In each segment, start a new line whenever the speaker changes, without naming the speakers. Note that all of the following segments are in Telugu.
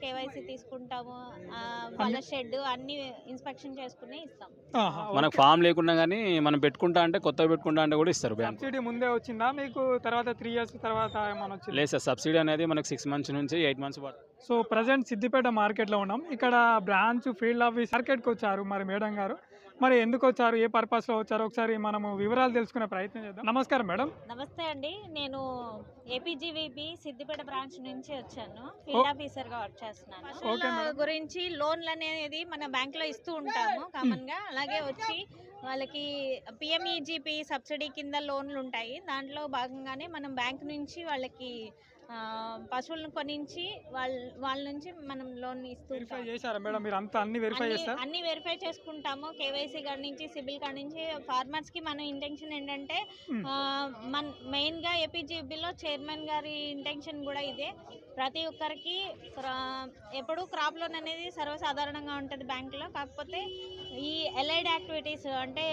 కేవైసీ తీసుకుంటాము, వాళ్ళ షెడ్ అన్ని ఇన్స్పెక్షన్ చేసుకుని ఇస్తాం.
మనకు ఫామ్ లేకున్నా కానీ మనం పెట్టుకుంటా అంటే కొత్తగా పెట్టుకుంటా అంటే కూడా ఇస్తారు బ్యాంక్.
సబ్సిడీ ముందే వచ్చిందా మీకు, తర్వాత 3 years తర్వాత ఏమైనా వచ్చింది?
లేదు సార్, సబ్సిడీ అనేది మనకు 6 months నుంచి 8 months పడుతుంది.
సో ప్రజెంట్ సిద్దిపేట మార్కెట్లో ఉన్నాం. ఇక్కడ బ్రాంచ్ ఫీల్డ్ ఆఫీస్ మార్కెట్కి వచ్చారు మరి మేడం గారు. మరి ఎందుకు వచ్చారు, ఏ పర్పస్లో వచ్చారు, ఒకసారి మనము వివరాలు తెలుసుకునే ప్రయత్నం చేద్దాం. నమస్కారం మేడం.
నమస్తే అండి, నేను ఏపీజీవీబీ సిద్దిపేట బ్రాంచ్ నుంచి వచ్చాను. ఫీల్డ్ ఆఫీసర్ గా వర్క్ చేస్తున్నాను. పశువుల గురించి లోన్లు అనేది మన బ్యాంక్ లో ఇస్తూ ఉంటాము కామన్ గా. అలాగే వచ్చి వాళ్ళకి పిఎంఈజీపీ సబ్సిడీ కింద లోన్లు ఉంటాయి. దాంట్లో భాగంగానే మనం బ్యాంక్ నుంచి వాళ్ళకి పశువులను కొనించి వాళ్ళ నుంచి మనం లోన్ ఇస్తూ
వెరిఫై చేశారా మేడం మీరు? అంతా అన్ని వెరిఫై చేస్తారు?
అన్ని వెరిఫై చేసుకుంటాము. కేవైసీ కాడ నుంచి సిబిల్ కాడ నుంచి. ఫార్మర్స్ కి మన ఇంటెన్షన్ ఏంటంటే మన మెయిన్ గా ఏపీజీబీలో చైర్మన్ గారి ఇంటెన్షన్ కూడా ఇదే. ప్రతి ఒక్కరికి ఎప్పుడు క్రాప్ లోన్ అనేది సర్వసాధారణంగా ఉంటుంది బ్యాంకులో. కాకపోతే ఈ ఎలైడ్ యాక్టివిటీస్ అంటే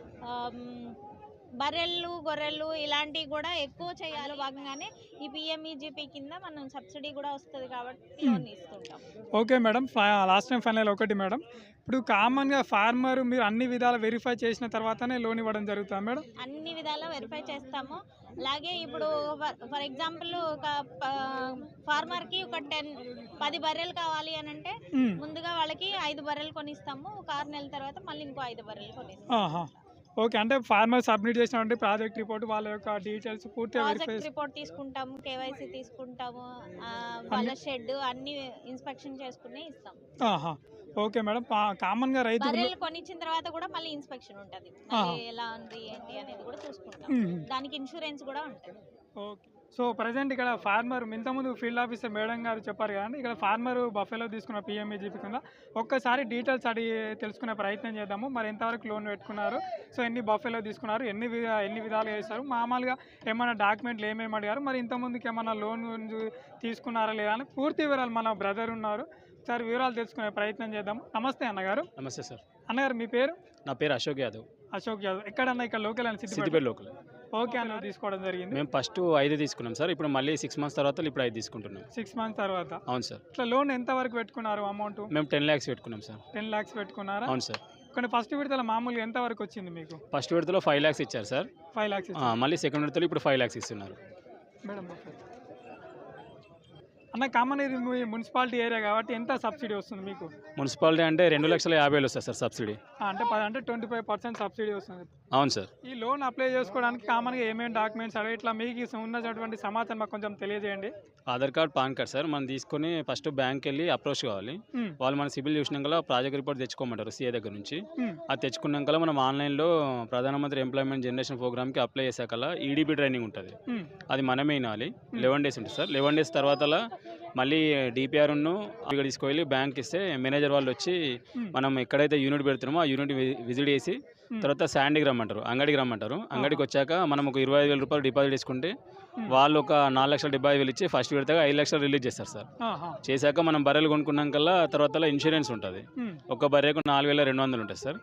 బర్రెలు గొర్రెలు ఇలాంటివి కూడా ఎక్కువ చేయాలి. భాగంగానే ఈ పిఎంఈజీపీ కింద మనం సబ్సిడీ కూడా వస్తుంది కాబట్టి లోన్ ఇస్తుంటాం.
Okay madam, last time final ఒకటి మేడం, ఇప్పుడు కామన్గా ఫార్మర్ మీరు అన్ని విధాలు వెరిఫై చేసిన తర్వాతనే లోన్ ఇవ్వడం జరుగుతుంది మేడం?
అన్ని విధాలా వెరిఫై చేస్తాము. అలాగే ఇప్పుడు ఫర్ ఎగ్జాంపుల్ ఒక ఫార్మర్కి ఒక 10 బర్రెలు కావాలి అని అంటే ముందుగా వాళ్ళకి 5 బర్రెలు కొనిస్తాము. ఒక 6 నెలల తర్వాత మళ్ళీ ఇంకో 5 బర్రెలు కొనిస్తాము.
ఓకే, అంటే ఫార్మర్ సబ్మిట్ చేసినటువంటి ప్రాజెక్ట్ రిపోర్ట్, వాళ్ళ యొక్క డీటెయిల్స్ పూర్తిగా వెరిఫై
రిపోర్ట్ తీసుకుంటాము, కేవైసీ తీసుకుంటాము, వాళ్ళ షెడ్ అన్ని ఇన్స్పెక్షన్ చేసుకుని ఇస్తాం.
ఓకే మేడం, కామన్గా రైతు
బర్రెలు కొనిచ్చిన తర్వాత కూడా మళ్ళీ ఇన్స్పెక్షన్ ఉంటుంది. ఎలా ఉంది ఏంటి అనేది కూడా చూసుకుంటాం. దానికి ఇన్సూరెన్స్ కూడా ఉంటుంది.
ఓకే, సో ప్రజెంట్ ఇక్కడ ఫార్మర్ ఇంతకుముందు ఫీల్డ్ ఆఫీసర్ మేడం గారు చెప్పారు కదండి, ఇక్కడ ఫార్మర్ బఫెలో తీసుకున్న పిఎంఈజీపీ కింద ఒక్కసారి డీటెయిల్స్ అడిగి తెలుసుకునే ప్రయత్నం చేద్దాము. మరి ఎంతవరకు లోన్ పెట్టుకున్నారు, సో ఎన్ని బఫెలో తీసుకున్నారు, ఎన్ని విధాలుగా చేస్తారు, మామూలుగా ఏమైనా డాక్యుమెంట్లు ఏమేమి అడిగారు, మరి ఇంతకుముందుకి ఏమైనా లోన్ తీసుకున్నారా లేదా అని పూర్తి వివరాలు మన బ్రదర్ ఉన్నారు, ఒకసారి వివరాలు తెలుసుకునే ప్రయత్నం చేద్దాం. నమస్తే అన్నగారు.
నమస్తే సార్.
అన్నగారు మీ పేరు?
నా పేరు అశోక్ యాదవ్.
అశోక్ యాదవ్. ఎక్కడన్నా ఇక్కడ లోకల్ అని?
సిద్దిపేట లోకల్.
ఓకే అన్న, తీసుకోవడం జరిగింది.
మేము ఫస్ట్ 5 తీసుకున్నాం సార్, ఇప్పుడు మళ్ళీ 6 months తర్వాత ఇప్పుడు 5 తీసుకుంటున్నాం.
6 months తర్వాత?
అవును సార్.
ఇట్లా లోన్ ఎంత వరకు పెట్టుకున్నారు అమౌంట్?
మేము 10 lakhs పెట్టుకున్నాం సార్.
10 lakhs పెట్టుకున్నారా?
అవును సార్.
కానీ ఫస్ట్ విడతలో మామూలుగా ఎంత వరకు వచ్చింది మీకు?
ఫస్ట్ విడతలో 5 lakhs ఇచ్చారు సార్.
5 lakhs.
మళ్ళీ సెకండ్ విడతలో ఇప్పుడు 5 lakhs ఇస్తున్నారు
మేడం. అన్న కామన్ ఇది మీ మున్సిపాలిటీ ఏరియా కాబట్టి ఎంత సబ్సిడీ వస్తుంది మీకు?
మున్సిపాలిటీ అంటే 2,50,000 వస్తుంది సార్ సబ్సిడీ.
అంటే 25% సబ్సిడీ వస్తుంది.
అవును సార్.
ఈ లోన్ అప్లై చేసుకోవడానికి కామన్గా ఏమేమి డాక్యుమెంట్స్ అడిగి ఇట్లా మీకు ఉన్నటువంటి సమాచారం మాకు కొంచెం తెలియజేయండి.
Aadhaar card, PAN card sir. మనం తీసుకొని ఫస్ట్ బ్యాంక్ వెళ్ళి అప్రోచ్ కావాలి. వాళ్ళు మన సిబిల్ చూసినాక ప్రాజెక్ట్ రిపోర్ట్ తెచ్చుకోమంటారు సిఏ దగ్గర నుంచి. అది తెచ్చుకున్నాక మనం ఆన్లైన్లో ప్రధానమంత్రి ఎంప్లాయ్మెంట్ జనరేషన్ ప్రోగ్రామ్కి అప్లై చేసాక ఈడీపీ ట్రైనింగ్ ఉంటుంది. అది మనమే వినాలి. 11 days ఉంటుంది సార్. 11 days తర్వాత మళ్ళీ డిపిఆర్ను ఇక్కడ తీసుకువెళ్ళి బ్యాంక్ ఇస్తే మేనేజర్ వాళ్ళు వచ్చి మనం ఎక్కడైతే యూనిట్ పెడుతున్నామో ఆ యూనిట్ విజిట్ చేసి తర్వాత శాండీకి రమ్మంటారు, అంగడికి రమ్మంటారు. అంగడికి వచ్చాక మనం ఒక 25,000 రూపాయలు డిపాజిట్ చేసుకుంటే వాళ్ళు ఒక 4,75,000 ఇచ్చి ఫస్ట్ విడతగా 5 lakhs రిలీజ్ చేస్తారు సార్. చేశాక మనం బర్రెలు కొనుక్కున్నాక తర్వాత ఇన్సూరెన్స్ ఉంటుంది. ఒక బర్రెకు 4,200 ఉంటుంది సార్.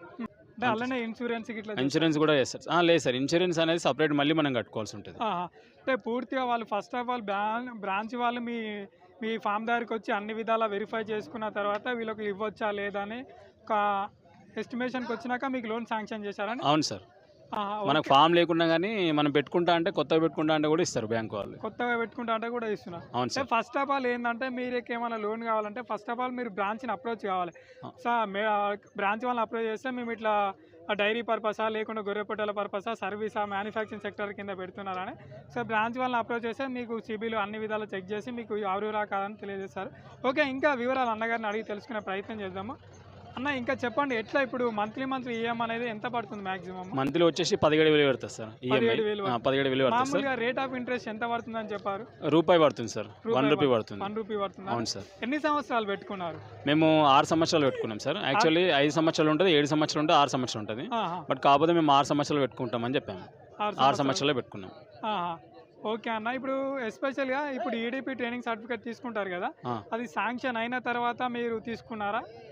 ఇన్సూరెన్స్ కూడా చేస్తారు. లేదు సార్, ఇన్సూరెన్స్ అనేది సపరేట్ మళ్ళీ మనం కట్టుకోవాల్సి ఉంటుంది.
అంటే పూర్తిగా వాళ్ళు ఫస్ట్ ఆఫ్ ఆల్ బ్రాంచ్ వాళ్ళు మీ ఫామ్ దగ్గరికి వచ్చి అన్ని విధాలా వెరిఫై చేసుకున్న తర్వాత వీళ్ళకి ఇవ్వచ్చా లేదా అని ఒక ఎస్టిమేషన్కి వచ్చినాక మీకు లోన్ శాంక్షన్ చేశారని?
అవును సార్. మనకు ఫామ్ లేకున్నా కానీ మనం పెట్టుకుంటా అంటే కొత్తగా పెట్టుకుంటా అంటే కూడా ఇస్తారు బ్యాంక్ వాళ్ళు.
కొత్తగా పెట్టుకుంటా అంటే కూడా ఇస్తున్నారు.
అవును సార్.
ఫస్ట్ ఆఫ్ ఆల్ ఏంటంటే మీరు ఏమైనా లోన్ కావాలంటే ఫస్ట్ ఆఫ్ ఆల్ మీరు బ్రాంచ్ని అప్రోచ్ కావాలి సార్. బ్రాంచ్ వాళ్ళని అప్రోచ్ చేస్తే మేము ఇట్లా డైరీ పర్పసా లేకుండా గొర్రె పొట్టల పర్పసా సర్వీసా మ్యానుఫ్యాక్చరింగ్ సెక్టర్ కింద పెడుతున్నారని సో బ్రాంచ్ వాళ్ళని అప్రోచ్ చేస్తే మీకు సిబిల్ అన్ని విధాలు చెక్ చేసి మీకు ఎవరు కాదని తెలియజేస్తారు. ఓకే, ఇంకా వివరాలు అన్నగారిని అడిగి తెలుసుకునే ప్రయత్నం చేద్దాము. అన్న ఇంకా చెప్పండి, ఎట్లా ఇప్పుడు మంత్లీ ఈఎం అనేది ఎంత పడుతుంది మాక్సిమం?
మంత్లీ వచ్చేసి 17,000 పడుతుంది సార్. 17,000
మామూలుగా రేట్ ఆఫ్ ఇంట్రెస్ట్ ఎంత పడుతుంది అని చెప్పారు?
రూపాయి పడుతుంది సార్. 1 రూపీ పడుతుంది.
1 రూపీ పడుతుంది.
అవును సార్.
ఎన్ని సంవత్సరాలు పెట్టుకున్నారు?
మేము 6 సంవత్సరాలు పెట్టుకున్నాం సార్. యాక్చువల్లీ 5 సంవత్సరాలు ఉంటుంది, 7 సంవత్సరాలు ఉంటుంది, 6 సంవత్సరాలు ఉంటుంది. బట్ కాకపోతే మేము 6 సంవత్సరాలు పెట్టుకుంటామని చెప్పాము. 6 సంవత్సరాలు పెట్టుకున్నాం.
ఓకే అన్న, ఇప్పుడు ఎస్పెషల్గా ఇప్పుడు ఈడీపీ ట్రైనింగ్ సర్టిఫికేట్ తీసుకుంటారు కదా, అది శాంక్షన్ అయిన తర్వాత మీరు తీసుకున్నారా?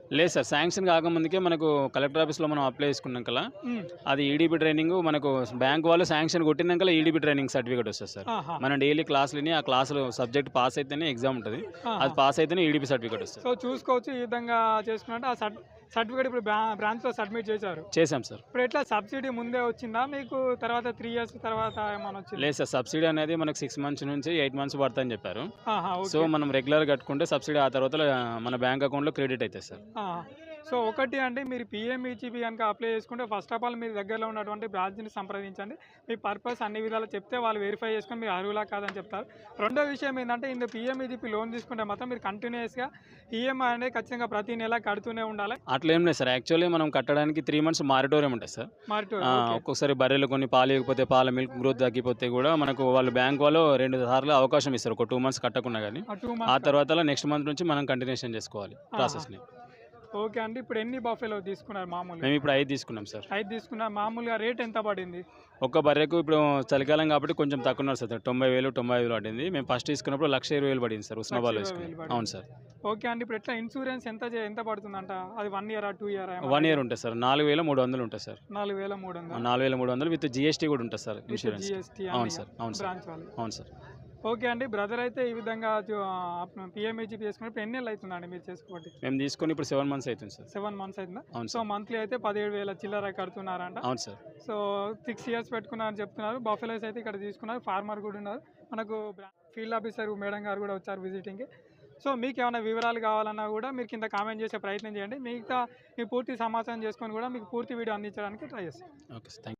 లేదు సార్, శాంక్షన్ కాకముందుకే మనకు కలెక్టర్ ఆఫీస్లో మనం అప్లై చేసుకున్నాక అది ఈడీపీ ట్రైనింగ్ మనకు బ్యాంక్ వాళ్ళు శాంక్షన్ కొట్టినాక ఈడీపీ ట్రైనింగ్ సర్టిఫికేట్ వస్తుంది సార్. మనం డైలీ క్లాసులని ఆ క్లాసులు సబ్జెక్ట్ పాస్ అయితేనే ఎగ్జామ్ ఉంటుంది, అది పాస్ అయితేనే ఈడీపీ సర్టిఫికేట్ వస్తుంది.
సో చూసుకోవచ్చు ఈ విధంగా చేసుకున్నట్టు ఆ సర్టిఫికేట్ ఇప్పుడు బ్రాంచ్లో సబ్మిట్ చేశారు.
చేసాం సార్.
ఇప్పుడు ఎట్లా సబ్సిడీ ముందే వచ్చిందా మీకు, తర్వాత 3 years తర్వాత ఏమైనా వచ్చింది?
లేదు సార్, సబ్సిడీ అనేది మనకు 6 months నుంచి 8 months పడుతుందని చెప్పారు.
ఓకే.
సో మనం రెగ్యులర్ కట్టుకుంటే సబ్సిడీ ఆ తర్వాత మన బ్యాంక్ అకౌంట్లో క్రెడిట్ అవుతుంది సార్.
సో ఒకటి అంటే మీరు పిఎంఈజీపీ కనుక అప్లై చేసుకుంటే ఫస్ట్ ఆఫ్ ఆల్ మీరు దగ్గరలో ఉన్నటువంటి బ్రాంచ్ని సంప్రదించండి. మీ పర్పస్ అన్ని విధాలు చెప్తే వాళ్ళు వెరిఫై చేసుకొని మీరు అర్హులా కాదని చెప్తారు. రెండో విషయం ఏంటంటే ఇందులో పిఎంఈజీపీ లోన్ తీసుకుంటే మాత్రం మీరు కంటిన్యూస్గా ఈఎంఐ అనేది ఖచ్చితంగా ప్రతి నెల కడుతూనే ఉండాలి.
అట్లా ఏం లేదు సార్, యాక్చువల్లీ మనం కట్టడానికి 3 months మారిటోరియం ఉంటుంది సార్. ఒక్కొక్కసారి బర్రెలు కొన్ని పాలు ఇవ్వకపోతే పాల మిల్క్ గ్రోత్ తగ్గిపోతే కూడా మనకు వాళ్ళు బ్యాంక్ వాళ్ళు 2 సార్లు అవకాశం ఇస్తారు, ఒక 2 months కట్టకుండా. కానీ ఆ తర్వాత నెక్స్ట్ మంత్ నుంచి మనం కంటిన్యూషన్ చేసుకోవాలి ప్రాసెస్ని.
ఓకే అండి. ఇప్పుడు ఎన్ని బఫెలో తీసుకున్నారు మామూలుగా?
మేము ఇప్పుడు 5 తీసుకున్నాం సార్.
5 తీసుకున్నారు. మామూలుగా రేట్ ఎంత పడింది?
ఒక్క బర్రెకు ఇప్పుడు చలికాలం కాబట్టి కొంచెం తక్కువ ఉన్నారు సార్, 90,000 95,000 పడింది. మేము ఫస్ట్ తీసుకున్నప్పుడు 1,20,000 పడింది సార్ ఉస్మాబాద్లో వేసుకుని. అవును సార్.
ఓకే అండి. ఇప్పుడు ఎట్లా ఇన్సూరెన్స్ ఎంత పడుతుందంట? అది 1 year 2 year?
1 year ఉంటుంది సార్, 4,300 ఉంటుంది సార్.
4,300.
4,300 విత్ జిఎస్టీ కూడా ఉంటుంది సార్, ఇన్సూరెన్స్. అవును సార్. అవును సార్.
బ్రాంచ్ వాళ్ళు.
అవును సార్.
ఓకే అండి. బ్రదర్ అయితే ఈ విధంగా పిఎంఈజీపీ చేసుకున్నప్పుడు ఎన్ని నెలలు అవుతుందండి మీరు చేసుకోబట్టి?
మేము తీసుకొని ఇప్పుడు 7 months అవుతుంది సార్.
7 months అవుతుందా?
అవును
సో
సార్.
మంత్లీ అయితే 17,000 చిల్లర కడుతున్నారంట.
అవును సార్.
సో 6 years పెట్టుకున్నారని చెప్తున్నారు. బఫెలోస్ అయితే ఇక్కడ తీసుకున్నారు, ఫార్మర్ కూడా ఉన్నారు. మనకు ఫీల్డ్ ఆఫీసర్ మేడం గారు కూడా వచ్చారు విజిటింగ్కి. సో మీకు ఏమైనా వివరాలు కావాలన్నా కూడా మీరు కింద కామెంట్ చేసే ప్రయత్నం చేయండి. మిగతా మీ పూర్తి సమాచారం చేసుకొని కూడా మీకు పూర్తి వీడియో అందించడానికి ట్రై చేస్తాం.
Okay sir.